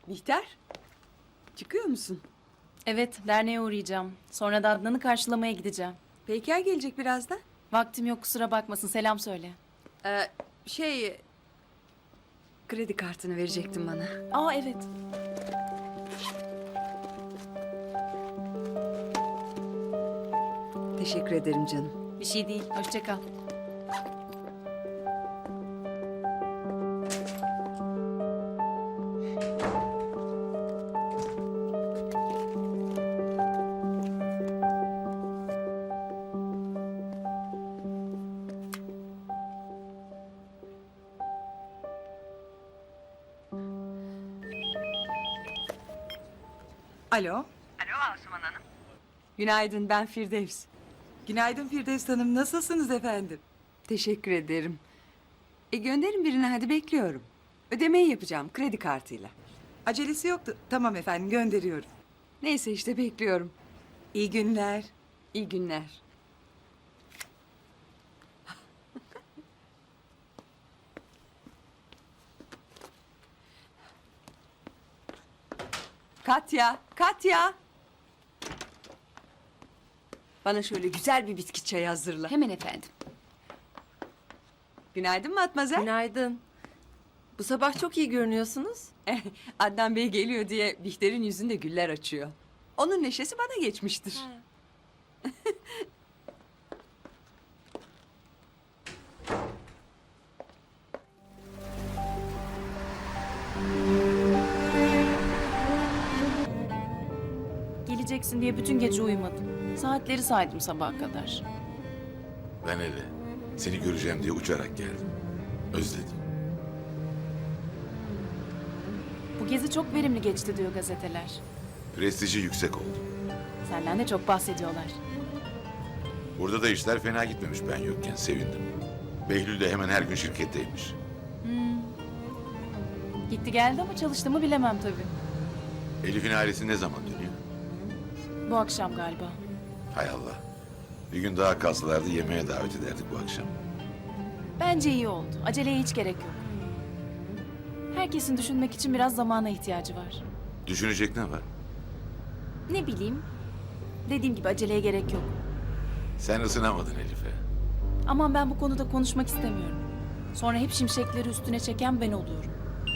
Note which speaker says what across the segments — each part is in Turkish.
Speaker 1: Bihter, çıkıyor musun?
Speaker 2: Evet, derneğe uğrayacağım. Sonra da Adnan'ı karşılamaya gideceğim.
Speaker 1: Peyker gelecek birazdan.
Speaker 2: Vaktim yok, kusura bakmasın. Selam söyle.
Speaker 1: Ee, şey... Kredi kartını verecektin bana.
Speaker 2: Aa evet.
Speaker 1: Teşekkür ederim canım.
Speaker 2: Bir şey değil. Hoşça kal.
Speaker 3: Alo.
Speaker 4: Alo Asuman Hanım.
Speaker 1: Günaydın, ben Firdevs.
Speaker 3: Günaydın Firdevs Hanım. Nasılsınız efendim?
Speaker 1: Teşekkür ederim. Gönderin birine, hadi bekliyorum. Ödemeyi yapacağım kredi kartıyla.
Speaker 3: Acelesi yoktu. Tamam efendim, gönderiyorum.
Speaker 1: Neyse işte bekliyorum.
Speaker 3: İyi günler.
Speaker 1: İyi günler. Katya, Katya. Bana şöyle güzel bir bitki çayı hazırla.
Speaker 5: Hemen efendim.
Speaker 1: Günaydın Matmazel.
Speaker 5: Günaydın. Bu sabah çok iyi görünüyorsunuz.
Speaker 1: Adnan Bey geliyor diye Bihter'in yüzünde güller açıyor. Onun neşesi bana geçmiştir.
Speaker 2: Geleceksin diye bütün gece uyumadım. Saatleri saydım sabaha kadar.
Speaker 6: Ben hele seni göreceğim diye uçarak geldim. Özledim.
Speaker 2: Bu gezi çok verimli geçti diyor gazeteler.
Speaker 6: Prestiji yüksek oldu.
Speaker 2: Senden de çok bahsediyorlar.
Speaker 6: Burada da işler fena gitmemiş ben yokken, sevindim. Behlül de hemen her gün şirketteymiş.
Speaker 2: Gitti geldi ama çalıştı mı bilemem tabii.
Speaker 6: Elif'in ailesi ne zaman dönüyor?
Speaker 2: Bu akşam galiba.
Speaker 6: Hay Allah. Bir gün daha kalsalardı yemeğe davet ederdik bu akşam.
Speaker 2: Bence iyi oldu. Aceleye hiç gerek yok. Herkesin düşünmek için biraz zamana ihtiyacı var.
Speaker 6: Düşünecek ne var?
Speaker 2: Ne bileyim. Dediğim gibi aceleye gerek yok.
Speaker 6: Sen ısınamadın Elif'e.
Speaker 2: Aman ben bu konuda konuşmak istemiyorum. Sonra hep şimşekleri üstüne çeken ben oluyorum.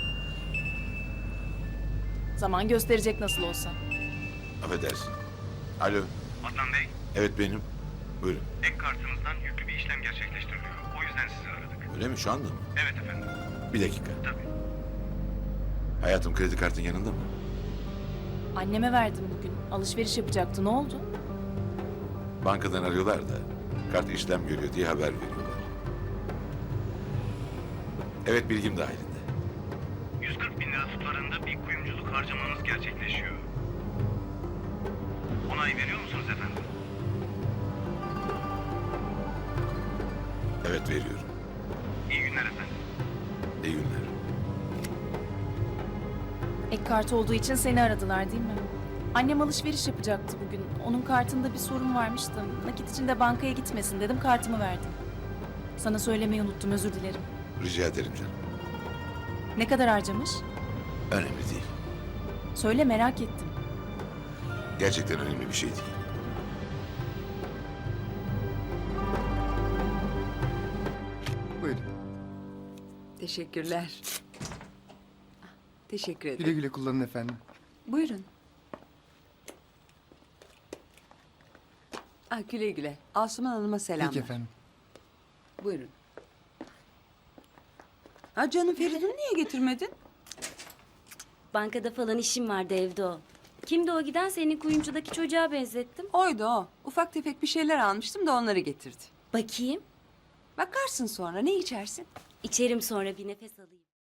Speaker 2: Zaman gösterecek nasıl olsa.
Speaker 6: Affedersin. Alo.
Speaker 7: Adnan Bey,
Speaker 6: Evet benim. Buyurun.
Speaker 7: ek kartınızdan yüklü bir işlem gerçekleştiriliyor. O yüzden sizi aradık.
Speaker 6: Öyle mi, şu anda mı?
Speaker 7: Evet efendim,
Speaker 6: Bir dakika.
Speaker 7: tabii.
Speaker 6: Hayatım, kredi kartın yanında mı?
Speaker 2: Anneme verdim bugün. Alışveriş yapacaktı. Ne oldu?
Speaker 6: Bankadan arıyorlar da kart işlem görüyor diye haber veriyorlar. Evet, bilgim dahilinde.
Speaker 7: 140 bin lira tutarında bir kuyumculuk harcamanız gerçekleşiyor. Onay veriyor musunuz efendim?
Speaker 6: Evet, veriyorum.
Speaker 7: İyi günler efendim.
Speaker 6: İyi günler.
Speaker 2: Ek kart olduğu için seni aradılar değil mi? Annem alışveriş yapacaktı bugün. Onun kartında bir sorun varmış da nakit için de bankaya gitmesin dedim, kartımı verdim. Sana söylemeyi unuttum, özür dilerim.
Speaker 6: Rica ederim canım.
Speaker 2: Ne kadar harcamış?
Speaker 6: Önemli değil.
Speaker 2: Söyle, merak ettim.
Speaker 6: Gerçekten önemli bir şey değil.
Speaker 8: Buyurun.
Speaker 1: Teşekkürler. Teşekkür ederim.
Speaker 8: Güle güle kullanın efendim.
Speaker 1: Buyurun. Güle güle. Asuman Hanım'a selamlar.
Speaker 8: Peki efendim.
Speaker 1: Buyurun. Canım, Feridun'u niye getirmedin?
Speaker 9: Bankada falan işim vardı, evde o. Kimdi o giden? Senin kuyumcudaki çocuğa benzettim.
Speaker 1: Oydu o. Ufak tefek bir şeyler almıştım da onları getirdi.
Speaker 9: Bakayım.
Speaker 1: Bakarsın sonra, ne içersin?
Speaker 9: İçerim sonra, bir nefes alayım.